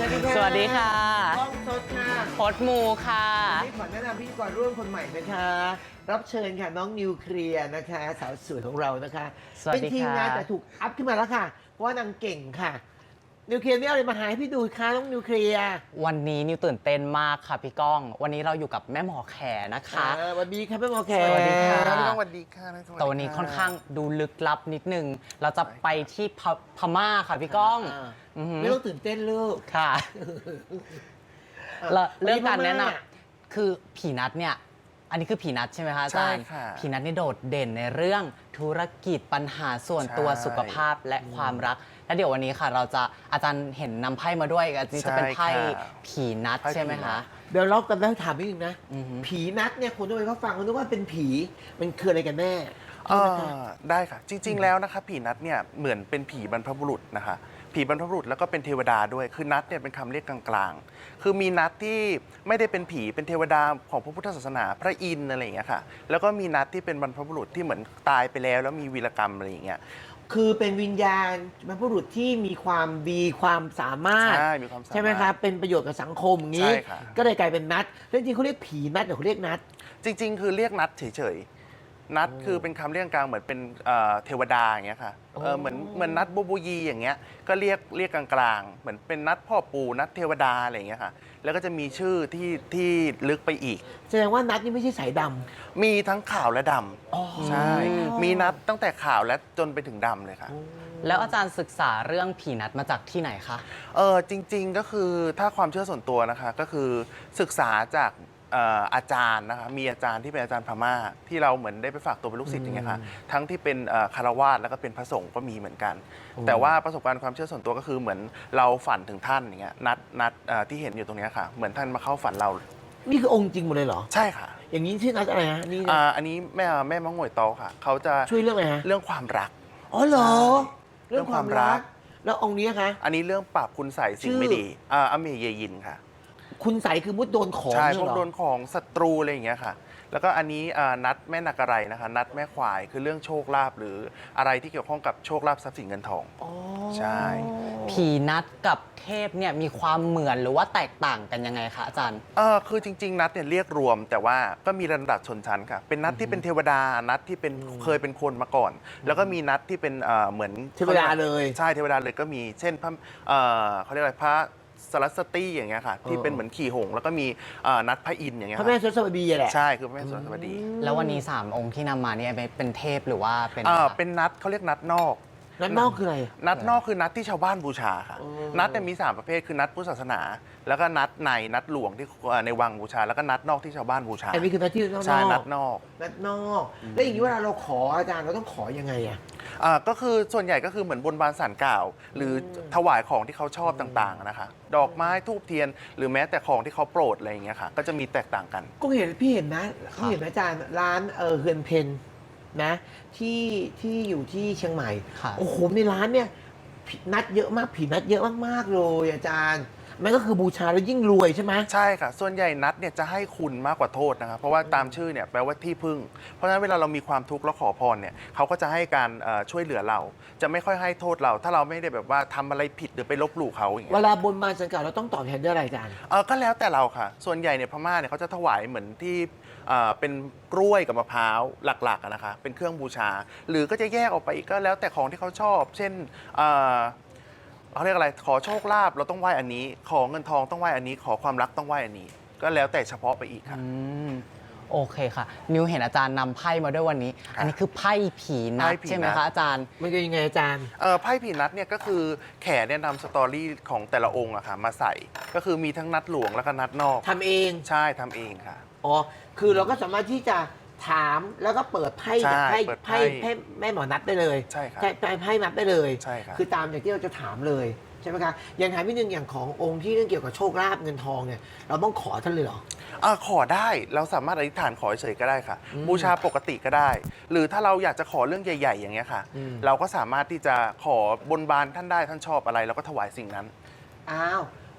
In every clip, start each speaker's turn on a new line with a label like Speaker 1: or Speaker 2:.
Speaker 1: วัสดีค่ะ
Speaker 2: สวัสดีค่ะ
Speaker 1: กล้องสดค่ะ
Speaker 2: โคตมูค่ะ
Speaker 1: วันนี้ขอแนะนำพิธีกรร่วมคนใหม่นะคะ รับเชิญค่ะน้องนิวเคลียร์นะคะ สาวสวยของเรานะคะ
Speaker 2: สวัสดีค่ะ
Speaker 1: เป็นทีมงานแต่ถูกอัพขึ้นมาแล้วค่ะ เพราะว่านางเก่งค่ะ นิวเคลียร์ไม่เอาอะไรมาหาให้พี่ดูค่ะน้องนิวเคลียร์
Speaker 2: วันนี้นิวตื่นเต้นมากค่ะพี่ก้อง วันนี้เราอยู่กับแม่หมอแขนะคะ
Speaker 1: สวัสดีค่ะแม่หมอแข
Speaker 2: สวัสดีค่ะ
Speaker 3: พี่น้องสวัสดีค่ะ
Speaker 2: แต่วันนี้ค่อนข้างดูลึกลับนิดนึง เราจะไปที่พม่าค่ะพี่ก้องอือหือ
Speaker 1: ไม่ต้องตื่นเต้นลูก
Speaker 2: ค่ะ
Speaker 1: อ่ะ
Speaker 2: แล้วเรื่องการแนะน
Speaker 1: วัพม่
Speaker 2: ำคือผีนัดเนี่ย อันนี้คือผีนัดใช่ไหมคะอาจารย์
Speaker 3: ใช่ค่ะ
Speaker 2: ผีนัดนี่โดดเด่นในเรื่องธุรกิจปัญหาส่วนตัว
Speaker 3: ใช่
Speaker 2: สุขภาพและความรัก และเดี๋ยววันนี้ค่ะ เราจะอาจารย์เห็นนำไพ่มาด้วยอันนี้จะเป็นไพ่
Speaker 3: ใช่ค่ะ
Speaker 2: ผีนัด
Speaker 3: ไพ่ผีนัด
Speaker 2: ใช่ไหมคะ
Speaker 1: เดี๋ยวเรากันแล้วถามนิดนึงนะ
Speaker 2: อือฮึ
Speaker 1: ผีนัดเนี่ยคนทั่วไปเขาฟังเขาคิดว่าเป็นผี มันคืออะไรกันแน่
Speaker 3: ได้ค่ะ จริง ๆ แล้วนะคะผีนัดเนี่ยเหมือนเป็นผีบรรพบุรุษนะคะ ผีบรรพบุรุษแล้วก็เป็นเทวดาด้วย คือนัดเนี่ยเป็นคำเรียกกลางๆ คือมีนัดที่ไม่ได้เป็นผีเป็นเทวดาของพระพุทธศาสนาพระอินทร์อะไรอย่างเงี้ยค่ะ แล้วก็มีนัดที่เป็นบรรพบุรุษที่เหมือนตายไปแล้วแล้วมีวีรกรรมอะไรอย่างเงี้ย
Speaker 1: คือเป็นวิญญาณบรรพบุรุษที่มีความดีความสามารถ
Speaker 3: ใช่มีความสามารถ
Speaker 1: ใช่ไหมครับ เป็นประโยชน์กับสังคมอย่างนี้
Speaker 3: ใช่ค่ะ
Speaker 1: ก็เลยกลายเป็นนัดแล้วจริงๆเขาเรียกผีนัดหรือเขาเรียกนัด
Speaker 3: จริง ๆ คือเรียกนัดเฉยๆ นัดคือเป็นคำเรียกกลางเหมือนเป็นเทวดาอย่างเงี้ยค่ะ
Speaker 1: โอ้
Speaker 3: เหมือนนัดบูบูยีอย่างเงี้ย ก็เรียกกลางๆ เหมือนเป็นนัดพ่อปู่นัดเทวดาอะไรอย่างเงี้ยค่ะ แล้วก็จะมีชื่อที่ลึกไปอีก
Speaker 1: แสดงว่านัดนี่ไม่ใช่สายด
Speaker 3: มีทั้งขาวและด
Speaker 1: อ๋อ
Speaker 3: ำใช่ มีนัดตั้งแต่ขาวและจนไปถึงดำเลยค่ะ
Speaker 2: แล้วอาจารย์ศึกษาเรื่องผีนัดมาจากที่ไหนคะ
Speaker 3: จริงๆก็คือถ้าความเชื่อส่วนตัวนะคะก็คือศึกษาจากอาจารย์นะคะมีอาจารย์ที่เป็นอาจารย์พม่าที่เราเหมือนได้ไปฝากตัวเป็นลูกศิษย์อย่างเงี้ยค่ะทั้งที่เป็นคารวาสแล้วก็เป็นพระสงฆ์ก็มีเหมือนกัน แต่ว่าประสบการณ์ความเชื่อส่วนตัวก็คือเหมือนเราฝันถึงท่านอย่างเงี้ยนัดที่เห็นอยู่ตรงเนี้ยค่ะเหมือนท่านมาเข้าฝันเรา
Speaker 1: ำนี่คือองค์จริงหมดเลยเหรอ
Speaker 3: ใช่ค่ะ
Speaker 1: อย่างนี้ชื่อนัดอะไรฮะนี่นะ
Speaker 3: อันนี้แม่มะง่วยโตอค่ะเขาจะ
Speaker 1: ช่วยเรื่องอะไรฮะ
Speaker 3: เรื่องความรัก
Speaker 1: อ๋อเหรอ
Speaker 3: ใช่
Speaker 1: เรื่องความรัก แล้วองค์นี้คะ
Speaker 3: อันนี้เรื่องปราบคุณใส่สิ่งไม่ดีอเมเยยินค่ะ
Speaker 1: คุณใสคือมุดโดนของ
Speaker 3: ใช่
Speaker 1: เนี่ย
Speaker 3: พวก
Speaker 1: เหรอ
Speaker 3: โดนของศัตรูอะไรอย่างเงี้ยค่ะ แล้วก็อันนี้นัดแม่นาการัยนะคะ นัดแม่ควายคือเรื่องโชคลาภหรืออะไรที่เกี่ยวข้องกับโชคลาภทรัพย์สินเงินทอง
Speaker 1: อ๋อ
Speaker 3: ใช่
Speaker 2: ผีนัดกับเทพเนี่ยมีความเหมือนหรือว่าแตกต่างกันยังไงคะอาจารย์
Speaker 3: คือจริง ๆ นัดเนี่ยเรียกรวม แต่ว่าก็มีระดับชนชั้นค่ะ เป็นนัดที่เป็นเทวดา นัดที่เป็นเคยเป็นคนมาก่อน แล้วก็มีนัดที่เป็นเหมือน
Speaker 1: เทวดาเลย
Speaker 3: ใช่เทวดาเลยก็มีเช่นพระเขาเรียกอะไรพระสรัสวตีอย่างเงี้ยค่ะที่เป็นเหมือนขี่หงส์แล้วก็มีนัดพระอินทร์อย่างเงี้ย
Speaker 1: พระ
Speaker 3: ค่ะ
Speaker 1: แม่สวัสดีแหละ
Speaker 3: ใช่คือพระแม่สรัสวดี
Speaker 2: แล้ววันนี้ 3 องค์ที่นำมาเนี่ยเป็นเทพหรือว่าเป็น
Speaker 3: เป็นนัดเขาเรียกนัดนอก
Speaker 1: นัดนอกคืออะไร
Speaker 3: นัดนอกคือนัดที่ชาวบ้านบูชาค่ะ
Speaker 1: อ๋อ
Speaker 3: นัดเนี่ยมี 3 ประเภทคือนัดพุทธศาสนา แล้วก็นัดในนัดหลวงที่ในวังบูชา แล้วก็นัดนอกที่ชาวบ้านบูชา
Speaker 1: อันนี้คือนัดที่นอก
Speaker 3: ใช่นัดนอก
Speaker 1: นัดนอก แล้วอย่างนี้เวลาเราขออาจารย์เราต้องขอยังไงอ่ะ
Speaker 3: ก็คือส่วนใหญ่ก็คือเหมือนบนบานสารกล่าว หรือถวายของที่เขาชอบต่างๆนะคะ ดอกไม้ทูบเทียน หรือแม้แต่ของที่เขาโปรดอะไรอย่างเงี้ยค่ะ ก็จะมีแตกต่างกัน
Speaker 1: ก็เห็นพี่เห็นนะเขาเห็นนะอาจารย์ร้านเฮือนเพนนะที่อยู่ที่เชียงใหม่
Speaker 2: ค่ะ
Speaker 1: โอ้โหในร้านเนี่ยผีนัดเยอะมากผีนัดเยอะมากๆเลยอาจารย์มันก็คือบูชาแล้วยิ่งรวยใช่ไหม
Speaker 3: ใช่ค่ะ ส่วนใหญ่นัดเนี่ยจะให้คุณมากกว่าโทษนะครับ เพราะว่าตามชื่อเนี่ยแปลว่าที่พึ่ง เพราะฉะนั้นเวลาเรามีความทุกข์แล้วขอพรเนี่ยเขาก็จะให้การช่วยเหลือเรา จะไม่ค่อยให้โทษเรา ถ้าเราไม่ได้แบบว่าทำอะไรผิดหรือไปลบหลู่เขาอย่าง
Speaker 1: เว
Speaker 3: เงี้ย
Speaker 1: ลาบนบานสังกัดเราต้องตอบแทนด้วยอะไรอาจารย์
Speaker 3: ก็แล้วแต่เราค่ะ ส่วนใหญ่เนี่ยพม่าเนี่ยเขาจะถวายเหมือนที่เป็นกล้วยกับมะพร้าวหลักๆอะนะคะ เป็นเครื่องบูชา หรือก็จะแยกออกไปอีกก็แล้วแต่ของที่เขาชอบ เช่นเขาเรียกอะไร ขอโชคลาภเราต้องไหว้อันนี้ ขอเงินทองต้องไหว้อันนี้ ขอความรักต้องไหว้อันนี้ ก็แล้วแต่เฉพาะไปอีกค่ะ
Speaker 2: อืมโอเคค่ะนิวเห็นอาจารย์นำไพ่มาด้วยวันนี้ อันนี้คือไพ่ผีนัด
Speaker 3: ไพ่ผีนัด
Speaker 2: ใช่ไหมคะอาจารย์
Speaker 1: มันก็ยังไงอาจารย์
Speaker 3: ไพ่ผีนัดเนี่ยก็คือแขเนี่ยนำสตอรี่ของแต่ละองค์อะค่ะมาใส่ ก็คือมีทั้งนัดหลวงแล้วก็นัดนอก
Speaker 1: ทำเอง
Speaker 3: ใช่ทำเองค่ะ
Speaker 1: อ๋อ คือเราก็สามารถที่จะถามแล้วก็เปิดไพ่
Speaker 3: ใช่
Speaker 1: จากไพ่
Speaker 3: เปิดไพ่
Speaker 1: ไพ่แม่หมอนัดได้เลย
Speaker 3: ใช่ครับ
Speaker 1: ไพ่นัดได้เลย
Speaker 3: ใช่ครับ
Speaker 1: คือตามอย่างที่เราจะถามเลยใช่ไหมคะอย่างถามนิดนึงอย่างขององค์ที่เรื่องเกี่ยวกับโชคลาภเงินทองเนี่ยเราต้องขอท่านเลยเหรอ
Speaker 3: ขอได้เราสามารถอธิษฐานขอเฉยๆก็ได้ค่ะ บูชาปกติก็ได้ หรือถ้าเราอยากจะขอเรื่องใหญ่ ๆ อย่างเงี้ยค่ะ
Speaker 1: อืม
Speaker 3: เราก็สามารถที่จะขอบนบานท่านได้ท่านชอบอะไรเราก็ถวายสิ่งนั้น
Speaker 1: อ้าว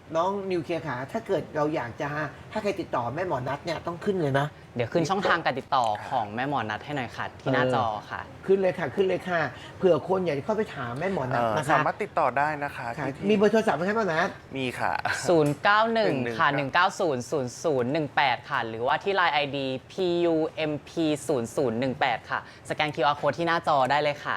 Speaker 1: น้องนิวเคลียร์ขาถ้าเกิดเราอยากจะถ้าใครติดต่อแม่หมอนัทเนี่ยต้องขึ้นเลยนะ
Speaker 2: เดี๋ยวขึ้นช่องทางการติดต่อของแม่หมอนัทให้หน่อยค่ะ ที่หน้าจอค่ะ
Speaker 1: ขึ้นเลยค่ะขึ้นเลยค่ะเผื่อคนอยากจะเข้าไปถามแม่หมอนัทนะคะ
Speaker 3: สามารถติดต่อได้นะคะ
Speaker 1: ค่ะ
Speaker 3: ที่
Speaker 1: มีเบอร์โทรศัพท์ไหมครับแม่หมอนัท
Speaker 3: มีค่ะ
Speaker 2: 091 ค่ะ 190 0018 ค่ะ หรือว่าที่ Line ID PUMP 0018 ค่ะ สแกน QR Code ที่หน้าจอได้เลยค่ะ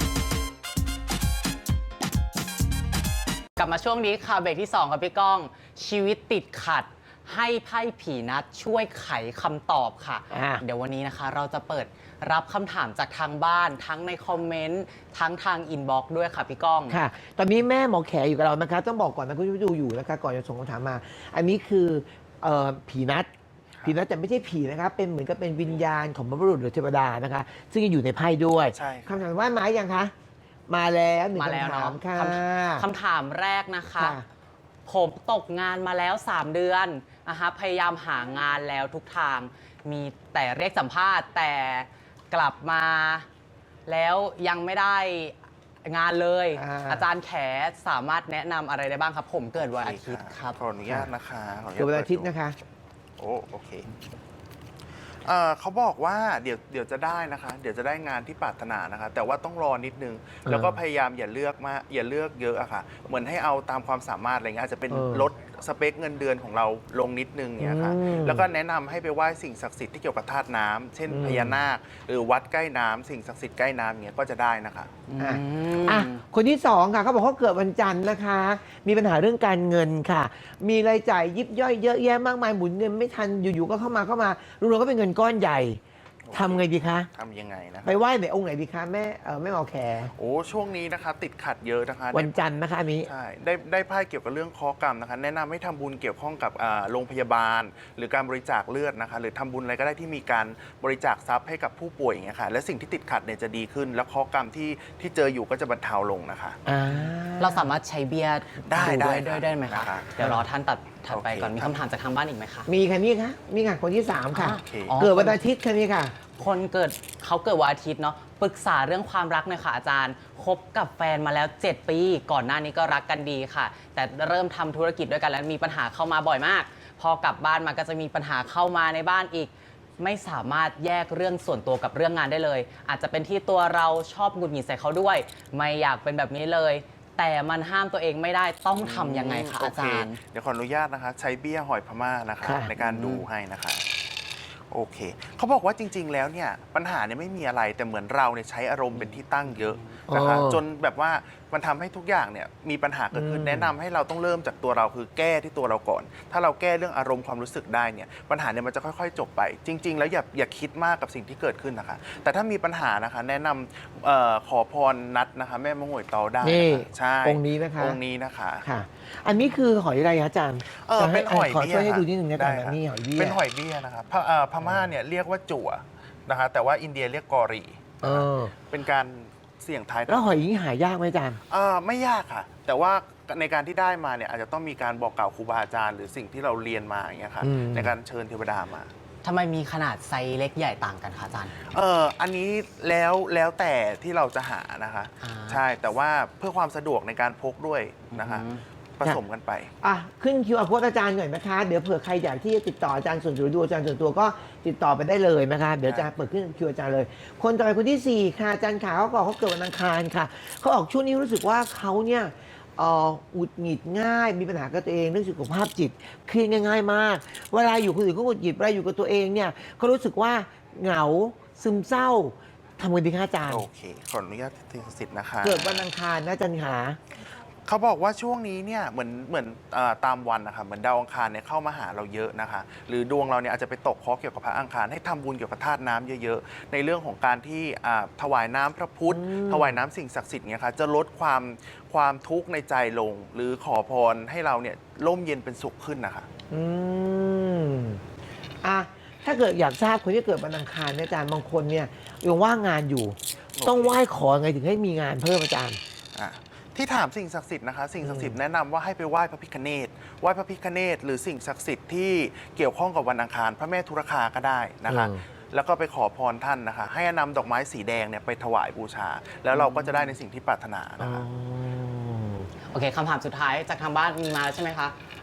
Speaker 2: กลับมาช่วงนี้ค่ะเบรกที่ 2 ครับพี่ก้อง ชีวิตติดขัด ให้ไพ่ผีนัดช่วยไขคำตอบค่ะ เดี๋ยววันนี้นะคะเราจะเปิดรับคำถามจากทางบ้าน ทั้งในคอมเมนต์ ทั้งทางอินบ็อกซ์ด้วยค่ะพี่ก้อง
Speaker 1: ค่ะ ตอนนี้แม่หมอแขอยู่กับเรานะคะต้องบอกก่อนนะคุณผู้ชมดูอยู่นะคะก่อนจะส่งคำถามมา อันนี้คือผีนัดผีนัดแต่ไม่ใช่ผีนะคะเป็นเหมือนกับเป็นวิญญาณของบรรพบุรุษหรือเทวดานะคะ ซึ่งจะอยู่ในไพ่ด้วย
Speaker 3: ใช่
Speaker 1: คำถามว่ามายังคะมาแล้วหนึ่ง
Speaker 2: มาแล้ว
Speaker 1: คำถาม
Speaker 2: เนาะ
Speaker 1: ค่ะ
Speaker 2: คำถามแรกนะคะ
Speaker 1: ค่ะ
Speaker 2: ผมตกงานมาแล้ว 3 เดือนนะคะพยายามหางานแล้วทุกทาง มีแต่เรียกสัมภาษณ์แต่กลับมาแล้วยังไม่ได้งานเลย อาจารย์แขสามารถแนะนำอะไรได้บ้างครับ ผมเกิดวันอาทิตย์ครับ
Speaker 3: ขออนุญาตนะคะขออนุญาต
Speaker 1: เกิดวันอาทิตย์นะคะ
Speaker 3: โอเคเขาบอกว่าเดี๋ยวจะได้นะคะ เดี๋ยวจะได้งานที่ปรารถนานะคะ แต่ว่าต้องรอนิดนึง แล้วก็พยายามอย่าเลือกมากอย่าเลือกเยอะอะค่ะ เหมือนให้เอาตามความสามารถอะไรเงี้ยอาจจะเป็นลดสเปคเงินเดือนของเราลงนิดนึงเนี่ยค่ะ แล้วก็แนะนำให้ไปไหว้สิ่งศักดิ์สิทธิ์ที่เกี่ยวกับธาตุน้ำเช่นพญานาคหรือวัดใกล้น้ำสิ่งศักดิ์สิทธิ์ใกล้น้ำเงี้ยก็จะได้นะคะ
Speaker 1: อ่ะคนที่สองค่ะเขาบอกเขาเกิดวันจันทร์นะคะ มีปัญหาเรื่องการเงินค่ะ มีรายจ่ายยิบย่อยเยอะแยะมากมายหมุนเงินไม่ทันอยู่ๆก็เข้ามารวมๆก็เป็นเงินก้อนใหญ่ทำไงดีคะ
Speaker 3: ทำยังไงนะคะ
Speaker 1: ไปไหว้ไหนองค์ไหนดีคะแม่แม่หมอแข
Speaker 3: โอ้ช่วงนี้นะคะติดขัดเยอะนะคะ
Speaker 1: วันจันทร์นะคะอันนี้
Speaker 3: ใช่ได้ไพ่เกี่ยวกับเรื่องเคราะห์กรรมนะคะ แนะนำให้ทำบุญเกี่ยวข้องกับโรงพยาบาล หรือการบริจาคเลือดนะคะ หรือทำบุญอะไรก็ได้ที่มีการบริจาคทรัพย์ให้กับผู้ป่วยอย่างเงี้ยค่ะและสิ่งที่ติดขัดเนี่ยจะดีขึ้น แล้วเคราะห์กรรมที่เจออยู่ก็จะบรรเทาลงนะคะ
Speaker 2: เราสามารถใช้เบียร์
Speaker 3: ได้
Speaker 2: ด้วย
Speaker 3: ได้
Speaker 2: ได้ไหมคะ
Speaker 3: ได้
Speaker 2: เดี๋ยวรอท่านถัดไป
Speaker 3: โอเค
Speaker 2: ก่อนมีคำถามจากทางบ้านอีกไหมคะ
Speaker 1: มีค่ะนี่ค่ะนี่ค่ะคนที่สามค่ะ
Speaker 3: โอเค
Speaker 2: อ๋อ
Speaker 1: เกิดวันอาทิตย์ค่ะนี่ค่ะ
Speaker 2: คนเขาเกิดวันอาทิตย์เนาะปรึกษาเรื่องความรักหน่อยค่ะอาจารย์คบกับแฟนมาแล้ว 7 ปี ก่อนหน้านี้ก็รักกันดีค่ะ แต่เริ่มทำธุรกิจด้วยกันแล้วมีปัญหาเข้ามาบ่อยมาก พอกลับบ้านมาก็จะมีปัญหาเข้ามาในบ้านอีก ไม่สามารถแยกเรื่องส่วนตัวกับเรื่องงานได้เลย อาจจะเป็นที่ตัวเราชอบหงุดหงิดใส่เขาด้วย ไม่อยากเป็นแบบนี้เลย แต่มันห้ามตัวเองไม่ได้ต้องทำยังไงคะอาจารย์
Speaker 3: โเคเดี๋ยวขออนุญาตนะคะ ใช้เบี้ยหอยพม่านะคะ
Speaker 1: ค่ะ
Speaker 3: ในการดูให้นะคะ โอเคเขาบอกว่าจริง ๆ แล้วเนี่ยปัญหาเนี่ยไม่มีอะไรแต่เหมือนเราเนี่ยใช้อารมณ์เป็นที่ตั้งเยอะนะคะจนแบบว่ามันทำให้ทุกอย่างเนี่ยมีปัญหาเกิดขึ้นแนะนำให้เราต้องเริ่มจากตัวเราคือแก้ที่ตัวเราก่อน ถ้าเราแก้เรื่องอารมณ์ความรู้สึกได้เนี่ยปัญหาเนี่ยมันจะค่อยๆ จบไป จริง ๆ แล้วอย่าคิดมากกับสิ่งที่เกิดขึ้นนะคะ แต่ถ้ามีปัญหานะคะแนะนำขอพรนัดนะคะแม่มะงวยเตาได้
Speaker 1: นี่
Speaker 3: นะคะใช่
Speaker 1: องค์นี้นะคะ
Speaker 3: องค์นี้นะคะ
Speaker 1: ค่ะ อันนี้คือหอยอะไรคะอาจารย์
Speaker 3: เป็นหอย
Speaker 1: ขอ
Speaker 3: เบี้ย
Speaker 1: ช่วยให้
Speaker 3: ค่ะ
Speaker 1: ดูนิดนึงนะอาจารย์
Speaker 3: ได้ค่ะ
Speaker 1: นี่หอยเบี้ย
Speaker 3: เป็นหอยเบี้ยนะครับพม่าเนี่ยเรียกว่าจั่วนะคะแต่ว่าอินเดียเรียกกอรี
Speaker 1: เออ
Speaker 3: เป็นการเสี่ยงทาย
Speaker 1: แล้วหอยนี้หายากไหมอาจารย์
Speaker 3: ไม่ยากค่ะ แต่ว่าในการที่ได้มาเนี่ยอาจจะต้องมีการบอกกล่าวครูบาอาจารย์หรือสิ่งที่เราเรียนมาอย่างเงี้ยค่ะ
Speaker 1: อืม
Speaker 3: ในการเชิญเทวดามา
Speaker 2: ทำไมมีขนาดไซส์เล็กใหญ่ต่างกันคะอาจารย์
Speaker 3: อันนี้แล้วแต่ที่เราจะหานะคะ
Speaker 2: อ่า
Speaker 3: ใช่แต่ว่าเพื่อความสะดวกในการพกด้วยนะคะ
Speaker 2: อืม
Speaker 3: ผสมกันไป
Speaker 1: อ่ะขึ้น QR Code อาจารย์หน่อยนะคะ เดี๋ยวเผื่อใครอยากที่จะติดต่ออาจารย์ส่วนตัวดูอาจารย์ส่วนตัวก็ติดต่อไปได้เลยนะคะ เดี๋ยวอาจารย์เปิดขึ้นคิวอาจารย์เลย คนต่อไปคนที่ 4 ค่ะอาจารย์ขาเขาบอกเขาเกิดวันอังคารค่ะเขาออกช่วงนี้รู้สึกว่าเขาเนี่ยหงุดหงิดง่าย มีปัญหากับตัวเองเรื่องสุขภาพจิตเครียดง่ายๆมาก เวลาอยู่คนอื่นก็หงุดหงิดเวลาอยู่กับตัวเองเนี่ยเขารู้สึกว่าเหงาซึมเศร้าทำไงดีคะอาจารย์
Speaker 3: โอเค ขออนุญาตที่สิทธิ์นะคะ
Speaker 1: เกิดวันอังคารนะอาจารย์ขา
Speaker 3: เขาบอกว่าช่วงนี้เนี่ยเหมือนตามวันนะคะเหมือนดาวอังคารเนี่ยเข้ามาหาเราเยอะนะคะ หรือดวงเราเนี่ยอาจจะไปตกเคราะห์เกี่ยวกับพระอังคารให้ทำบุญเกี่ยวกับธาตุน้ำเยอะๆในเรื่องของการที่ถวายน้ำพระพุทธ ถวายน้ำสิ่งศักดิ์สิทธิ์เนี่ยค่ะจะลดความทุกข์ในใจลง หรือขอพรให้เราเนี่ยร่มเย็นเป็นสุขขึ้นนะคะ
Speaker 1: อืมอ่ะถ้าเกิดอยากทราบคนที่เกิดวันอังคารเนี่ยอาจารย์บางคนเนี่ยยังว่างงานอยู่ ต้องไหว้ขอไงถึงให้มีงานเพิ่มอาจารย์
Speaker 3: อ่ะที่ถามสิ่งศักดิ์สิทธิ์นะคะสิ่งศักดิ์สิทธิ์แนะนำว่าให้ไปไหว้พระพิฆเนศไหว้พระพิฆเนศหรือสิ่งศักดิ์สิทธิ์ที่เกี่ยวข้องกับวันอังคาร พระแม่ธุรคาก็ได้นะคะ แล้วก็ไปขอพรท่านนะคะ ให้นำดอกไม้สีแดงเนี่ยไปถวายบูชา แล้วเราก็จะได้ในสิ่งที่ปรารถนานะคะ
Speaker 2: โอเคคำถามสุดท้ายจากทางบ้านมีมาแล้วใช่ไหมคะ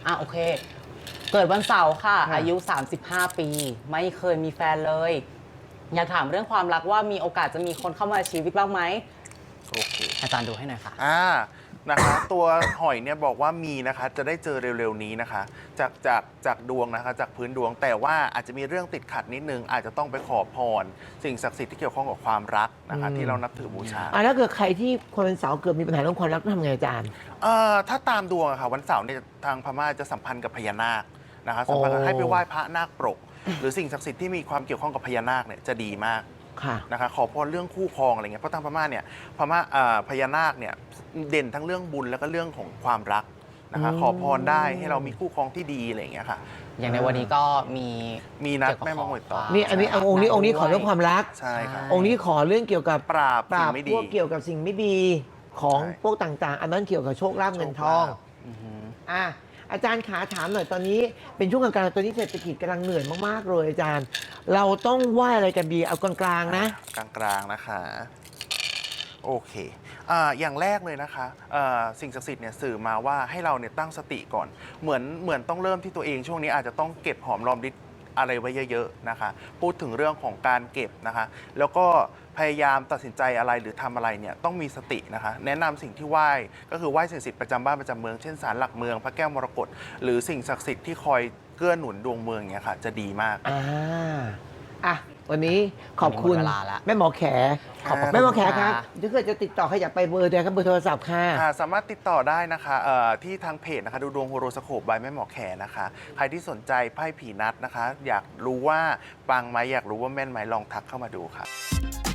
Speaker 2: โอเค เกิดวันเสาร์ค่ะ
Speaker 1: ค่ะ
Speaker 2: อายุ 35 ปี ไม่เคยมีแฟนเลย อยากถามเรื่องความรักว่ามีโอกาสจะมีคนเข้ามาชีวิตบ้างไหม
Speaker 3: โอเค
Speaker 2: อาจารย์ดูให้หน่อยค่ะ
Speaker 3: นะคะตัวหอยเนี่ยบอกว่ามีนะคะจะได้เจอเร็วๆนี้นะคะจากดวงนะคะจากพื้นดวงแต่ว่าอาจจะมีเรื่องติดขัดนิดนึงอาจจะต้องไปขอพรสิ่งศักดิ์สิทธิ์ที่เกี่ยวข้องกับความรักนะคะที่เรานับถือบูชา
Speaker 1: ถ้าเกิดใครที่คนเป็นเสาร์เกิดมีปัญหาเรื่องความรักต้องทำไงอาจารย์
Speaker 3: ถ้าตามดวงอะค่ะวันเสาร์เนี่ยทางพม่าจะสัมพันธ์กับพญานาคนะคะสัมพันธ์กับให้ไปไหว้พระนาคปรก หรือสิ่งศักดิ์สิทธิ์ที่มีความเกี่ยวข้องกับพญานาคเนี่ยจะดีมาก
Speaker 1: ค่ะ
Speaker 3: นะคะขอพรเรื่องคู่ครองอะไรเงี้ยเพราะทางพม่าเนี่ยพญานาคเนี่ยเด่นทั้งเรื่องบุญแล้วก็เรื่องของความรักนะคะขอพรได้ให้เรามีคู่ครองที่ดีอะไรอย่างเงี้ยค่ะ
Speaker 2: อย่างในวันนี้ก็มี
Speaker 3: มีนัด
Speaker 2: เกี่ยวกับ
Speaker 3: แม่มาหวยต่อ
Speaker 2: ขอ
Speaker 1: นี่อันนี้องค์นี้ขอเรื่องความรัก
Speaker 3: ใช่ค่ะ
Speaker 1: องค์นี้ขอเรื่องเกี่ยวกับ
Speaker 3: ปราบ
Speaker 1: ป
Speaker 3: สิ่
Speaker 1: ราง บ
Speaker 3: ไม่
Speaker 1: พ
Speaker 3: ดี
Speaker 1: วกเกี่ยวกับสิ่งไม่ดีของ
Speaker 3: ใช่
Speaker 1: พวกต่างๆ อันนั้นเกี่ยวกับโชคลาภเงินทอง
Speaker 3: โชคลาภ
Speaker 2: อือหือ
Speaker 1: อาจารย์ขาถามหน่อยตอนนี้เป็นช่วงกลางๆตอนนี้เศรษฐกิจกำลังเหนื่อยมากๆเลยอาจารย์ เราต้องไหว้อะไรกันดีเอากลางๆนะ
Speaker 3: กลางๆนะคะโอเคอย่างแรกเลยนะคะสิ่งศักดิ์สิทธิ์เนี่ยสื่อมาว่าให้เราเนี่ยตั้งสติก่อนเหมือนต้องเริ่มที่ตัวเองช่วงนี้อาจจะต้องเก็บหอมรอมริบอะไรไว้เยอะๆนะคะพูดถึงเรื่องของการเก็บนะคะแล้วก็พยายามตัดสินใจอะไรหรือทำอะไรเนี่ยต้องมีสตินะคะแนะนำสิ่งที่ไหว้ก็คือไหว้สิ่งศักดิ์สิทธิ์ประจำบ้านประจำเมืองเช่นศาลหลักเมืองพระแก้วมรกตหรือสิ่งศักดิ์สิทธิ์ที่คอยเกื้อหนุนดวงเมืองเนี่ยค่ะจะดีมาก
Speaker 1: วันนี้ขอบคุณ
Speaker 2: วันนี้หมดเวลาละ
Speaker 1: แม่หมอแข
Speaker 3: ขอบคุณ
Speaker 1: แม่หมอแขครับ
Speaker 2: ค่ะ
Speaker 1: ถ้าเกิดจะติดต่อใครอยากไปเบอร์เดียวครับเบอร์โทรศัพท์ค่ะ
Speaker 3: สามารถติดต่อได้นะคะที่ทางเพจนะคะดูดวงโฮโรสโคปบายแม่หมอแขนะคะใครที่สนใจไพ่ผีนัดนะคะ อยากรู้ว่าปังไหมอยากรู้ว่าแม่นไหมลองทักเข้ามาดูค่ะ